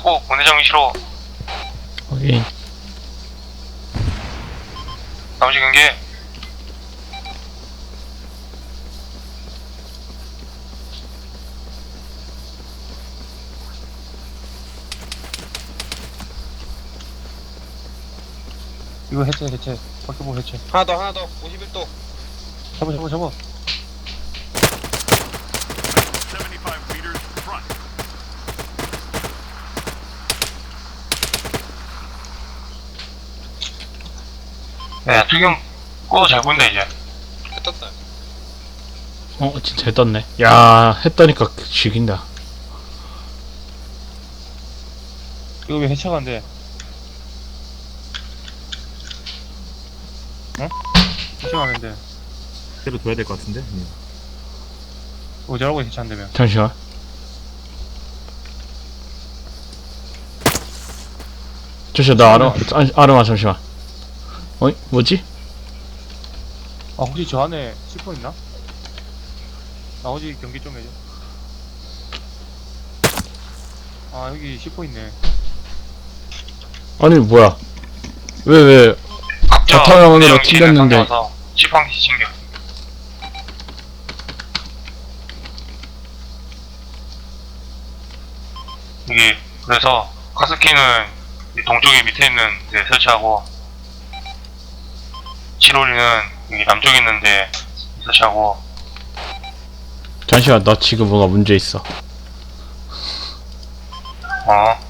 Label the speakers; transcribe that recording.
Speaker 1: 잡고 본대장 위치로.
Speaker 2: 확인.
Speaker 1: 나머지 경계.
Speaker 3: 이거 해체 해체 바퀴볼 해체.
Speaker 4: 하나 더 51도.
Speaker 3: 잡아 잡아 잡아.
Speaker 1: 야 투경 꺼도 잘 보인다 이제.
Speaker 4: 떴다.
Speaker 2: 진짜 해 떴네. 야, 해 떠니까 죽인다.
Speaker 3: 이거 왜 해체가 안 돼? 응? 해체가 안 되는데.
Speaker 5: 때로 둬야 될 것 같은데?
Speaker 3: 어쩌라고 해체 안 되면?
Speaker 2: 잠시만. 잠시만, 나 아름아, 잠시만. 어이? 뭐지?
Speaker 3: 아 혹시 저 안에 C4 있나? 나머지 경기 좀 해줘. 아 여기 C4 있네.
Speaker 2: 아니, 뭐야. 왜,
Speaker 1: 각자
Speaker 2: 바탕화면으로
Speaker 1: 본대장 위치는
Speaker 2: 튕겼는데.
Speaker 1: 가서 지팡이 챙겨. 여기 그래서 가스키는 이 동쪽에 밑에 있는 데 설치하고 치롤리는 여기 남쪽에 있는데 설치하고.
Speaker 2: 잠시만, 나 지금 뭐가 문제 있어.
Speaker 1: 어